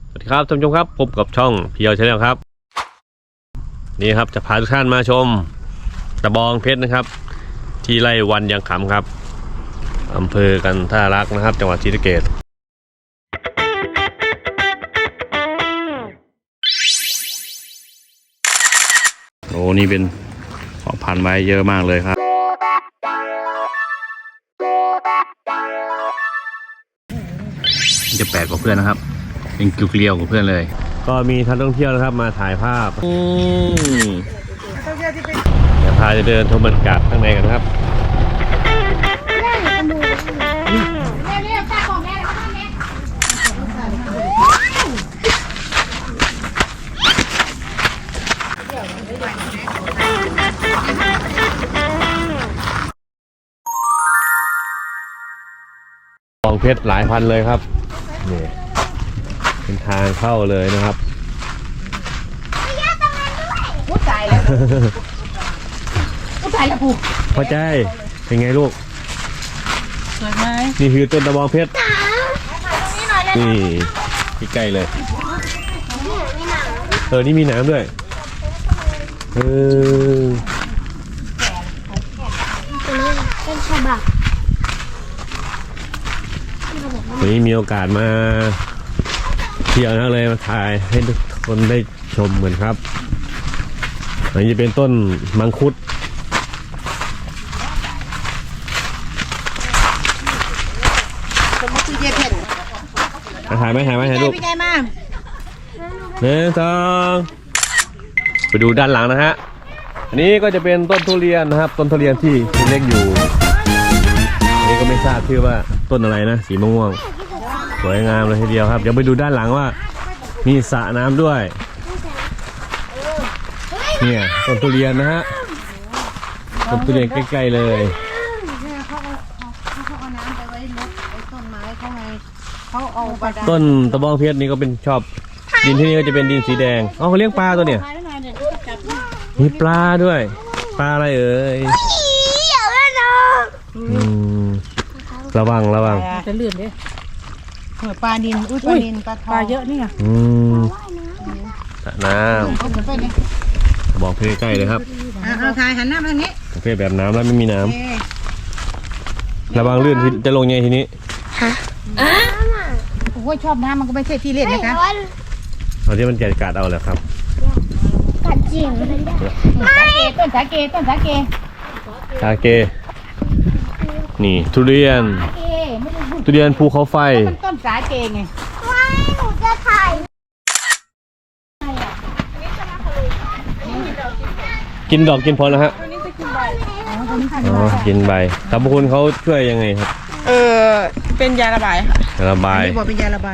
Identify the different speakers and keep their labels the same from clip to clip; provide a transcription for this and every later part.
Speaker 1: สวัสดีครับท่านผู้ชมครับพบกับช่องพีเอลชาแนลครับนี่ครับจะพาทุกท่านมาชมตะบองเพชรนะครับที่ไร่วันยังขำครับอำเภอกันท่ารักนะครับจังหวัดศรีสะเกษโอ้นี่เป็นเพาะพันธุ์ไว้เยอะมากเลยครับจะแปลกกว่าเพื่อนนะครับเป็นเกลียวๆกว่าเพื่อนเลยก็มีท่านท่องเที่ยวนะครับมาถ่ายภาพเดี๋ยวพาจะเดินชมบรรยากาศข้างในกันครับกองเพชรหลายพันเลยครับนี่เป็นทางเข้าเลยนะครับ
Speaker 2: พูดใจแล้วพูดใจแล้วผูก
Speaker 1: พอใจเป็นไงลูก
Speaker 2: สวยไหม
Speaker 1: นี่คือต้นตะบองเพชรนี่ใกล้เลยนี่มีน้ำด้วย
Speaker 3: เป็นฉบับ
Speaker 1: วันนี้มีโอกาสมาเที่ยวนะเลยมาถ่ายให้ทุกคนได้ชมเหมือนครับอันนี้จะเป็นต้นมังคุดถ่ายไหมลูก1 2ไปดูด้านหลังนะฮะอันนี้ก็จะเป็นต้นทุเรียนนะครับต้นทุเรียนที่เล็กอยู่อันนี้ก็ไม่ทราบชื่อว่าต้นอะไรนะสีม่วงสวยงามเลยทีเดียวครับเดี๋ยวไปดูด้านหลังว่ามีสระน้ำด้วยเนี่ยต้นทุเรียนนะฮะต้นทุเรียนใกล้ๆเลยต้นตะบองเพชรนี่ก็เป็นชอบดินที่นี่ก็จะเป็นดินสีแดงเขาเลี้ยงปลาตัวเนี่ยมีปลาด้วยปลาอะไรเอ่ยระวัง
Speaker 2: จะลื่นดิปลาดินปลาดินปลาทองปลาเยอะนี่ไง
Speaker 1: สระน้ำบอกเพใกล้เลยครับ
Speaker 2: เอาถ่ายหันหน้ามาทางนี้
Speaker 1: เพแบบน้ำแล้วไม่มีน้ำระวังลื่นจะลงไงทีนี้
Speaker 2: โอ้ยชอบน้ำมันก็ไม่ใช่ที่เล่นนะคะ
Speaker 1: เอาที่มันแกะกัดเอาแหละครับ
Speaker 3: กัดจริง
Speaker 2: ต้นสาเก
Speaker 1: นี่ทุเรียนภูเขาไฟ
Speaker 2: ต้นสาเกไง
Speaker 3: ไม่หนูจะถ่าย
Speaker 1: กินดอกกินผลแล้วฮะกินใบสรรพคุณเขาช่วยยังไงครับ
Speaker 4: เป็นยาระบายค่ะ
Speaker 1: ระบาย
Speaker 2: บอกเป็นยาระบาย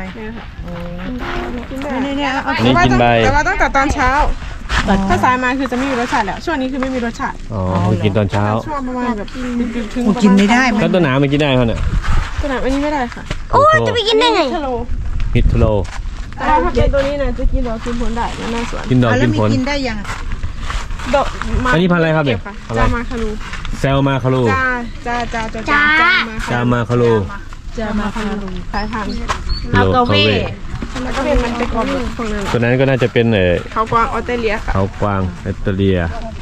Speaker 4: เนี่ยนี่กินใบแต่ว่าตั้งแต่ตอนเช้าถ้าสายมาคือจะไม่มีรสชาติแล้วช่วงนี้คือไม่มีรสชาติ
Speaker 1: กินตอนเช้า
Speaker 4: ช่วงประมาณแบบถึง
Speaker 2: กินไม่ได้
Speaker 1: ก็ต้นหนามมันกินได้เขาเนี่ย
Speaker 4: ต้นหนามอันนี้ไม่ได้ค่ะ
Speaker 3: โอ้จะไปกินได้ไง
Speaker 1: ฮิตโล
Speaker 4: แต่ถ้าเป็นตัวนี้นะจะกินดอกกินผลได้ในหน้าสวน
Speaker 1: กินดอกกินผล
Speaker 2: กินได้ยัง
Speaker 1: ดอกอันนี้พันอะไรครับเนี่ย
Speaker 4: จามาคารู
Speaker 1: แซลมาคารูจามาคารู
Speaker 4: สายพันธุ์
Speaker 1: อัลกาเว่
Speaker 4: แล้วก็เป็นมันเป็นกรอบพวกนั้น
Speaker 1: ตัวนั้นก็น่าจะเป็น
Speaker 4: เขากวางออสเตรเลียค่ะ
Speaker 1: เขากวางออสเตรเลีย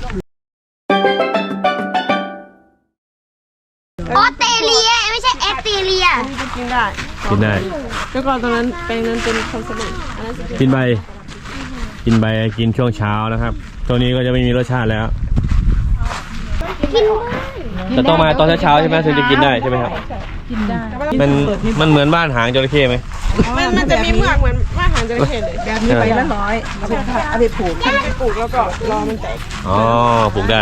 Speaker 3: ไม่ใช่ออสเตรเลีย
Speaker 4: กินได้แล้วก็ตอนนั้นแปลงนั้นเป็นคอนเสิร์ต
Speaker 1: กินใบกินช่วงเช้านะครับตัวนี้ก็จะไม่มีรสชาติแล้วจะต้องมาตอนเช้าใช่ไหมถึงจะกินได้ใช่ไหมครับ
Speaker 4: กินได้
Speaker 1: มันเหมือนบ้านหางจระเข้ไหม
Speaker 4: มันจะมีเมือกเหมือนบ้านหางจระเข้เลย
Speaker 2: แบบนี้ไปละ100เอาไปผูก
Speaker 4: แล้วก็รอมันแตก
Speaker 1: ปลูกได้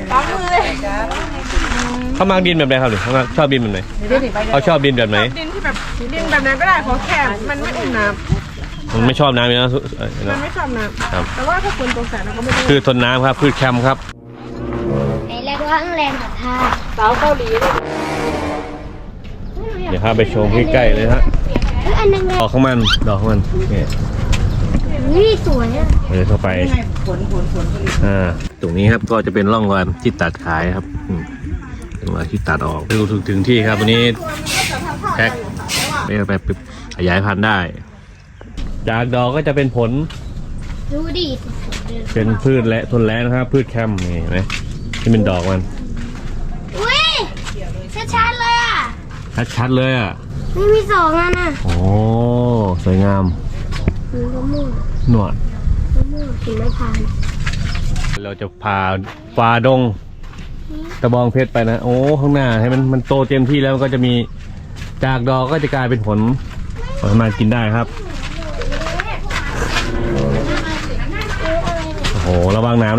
Speaker 1: เขามาดินแบบไหนครับหรือเขาชอบดินแบบไหนเขาชอบดินแบบไหน
Speaker 4: ดินที่แบบดินแบบนั้นก็ได้ขอแค่มันไม่อุ่นน้
Speaker 1: ำมันไม่ชอบน้ำนะ
Speaker 4: มันไม่ชอบน้ำแต่ว่าถ้าฝนตกแสงเราก็ไม่
Speaker 1: คือทนน้ำครับพืชแคมครับ
Speaker 3: แรงว่าแรงกับท่า
Speaker 4: สาวเกาหลี
Speaker 1: เดี๋ยวพาไปชมใกล้ๆเลยฮะดอกของมันเนี่ย
Speaker 3: นี่สวยอ่ะ
Speaker 1: เลยเข้าไปตรงนี้ครับก็จะเป็นร่องรอยที่ตัดขายครับร่องรอยที่ตัดออกไปดูถึงที่ครับวันนี้แพ็คไปขยายพันธุ์ได้จากดอกก็จะเป็นผล
Speaker 3: ดูดิ
Speaker 1: เป็นพืชและทนแล้งนะครับ พืชแคมนี่เห็นไหมที่เป็นดอกมัน
Speaker 3: อุ้ยชัดๆเลยอ่ะ
Speaker 1: ชัดๆเลยอ่ะ
Speaker 3: นี่มีสองอันน่ะ
Speaker 1: โอ้สวยงาม
Speaker 3: มีมะม่วง
Speaker 1: หนวด
Speaker 3: มะม่วงกินไม่ทาน
Speaker 1: เราจะพาฝ่าดงตะบองเพชรไปนะโอ้ข้างหน้าให้มันโตเต็มที่แล้วมันก็จะมีจากดอกก็จะกลายเป็นผลสามารถกินได้ครับโอ้โหระวังน้ำ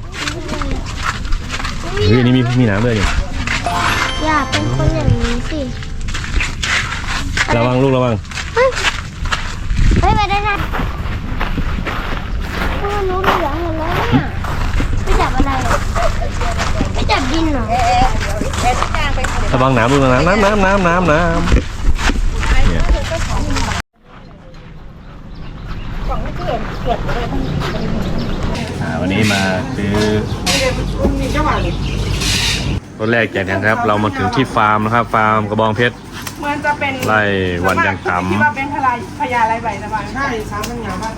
Speaker 1: เฮ้ยอันนี้มีน้ำด้วยนี่
Speaker 3: อย่าเป็นคนอย่างนี้สิ
Speaker 1: ระวังลูกระวัง
Speaker 3: เฮ้ยไปได้ไงรู้เหลืองหมดแล้วเนี่ยไปจับอะไรอ่ะไปจับดินเหรอ
Speaker 1: ระวังน้ำลูกนะน้ำเนี่ยวันนี้มาซื้อต้นแรกจากกันครับ เรามาถึงที่ฟาร์มนะครับ ฟาร์มกระบองเพชร
Speaker 4: มันจะเป็น
Speaker 1: ไล่วันยังต่ำ
Speaker 4: ที่ว่าเป็นพญาไรใบสบายใช่สามปัญญาบ้าน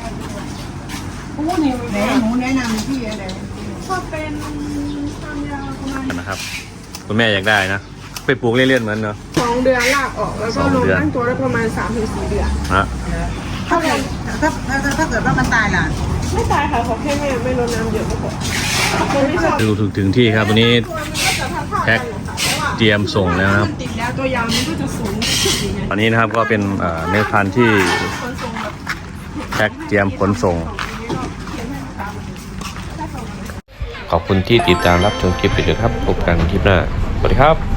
Speaker 4: นี่หนูแนะนำพี่อะไรก็เป็นความยาวประมาณ
Speaker 1: นะครับคุณแม่อยากได้นะไปปลูกเล่นๆเหมือนเนาะ
Speaker 4: 2 เดือนลากออกแล้วก็ลงตั้งตัวได้ประมาณ 3-4 เดือน
Speaker 1: นะ
Speaker 2: ถ้าเกิดว่ามันตายล่ะ
Speaker 4: ไม่ตายค่ะขอแค่ไม่รดน้ำเยอะก็พอคนไม่ชอบ
Speaker 1: ดูถึงที่ครับวันนี้แพ็คเตรียมส่งแล้วนะครับ
Speaker 4: ติดแล้วตัวยาวมันก็จะสูงขึ้นอย่างเงี้ย
Speaker 1: อันนี้นะครับก็เป็นเนื้อพันธุ์ที่
Speaker 4: คนทรงแบบ
Speaker 1: แพ็คเตรียมขนส่ง ขอบคุณที่ติดตามรับชมคลิปไปด้วยครับพบกันคลิปหน้าสวัสดีครับ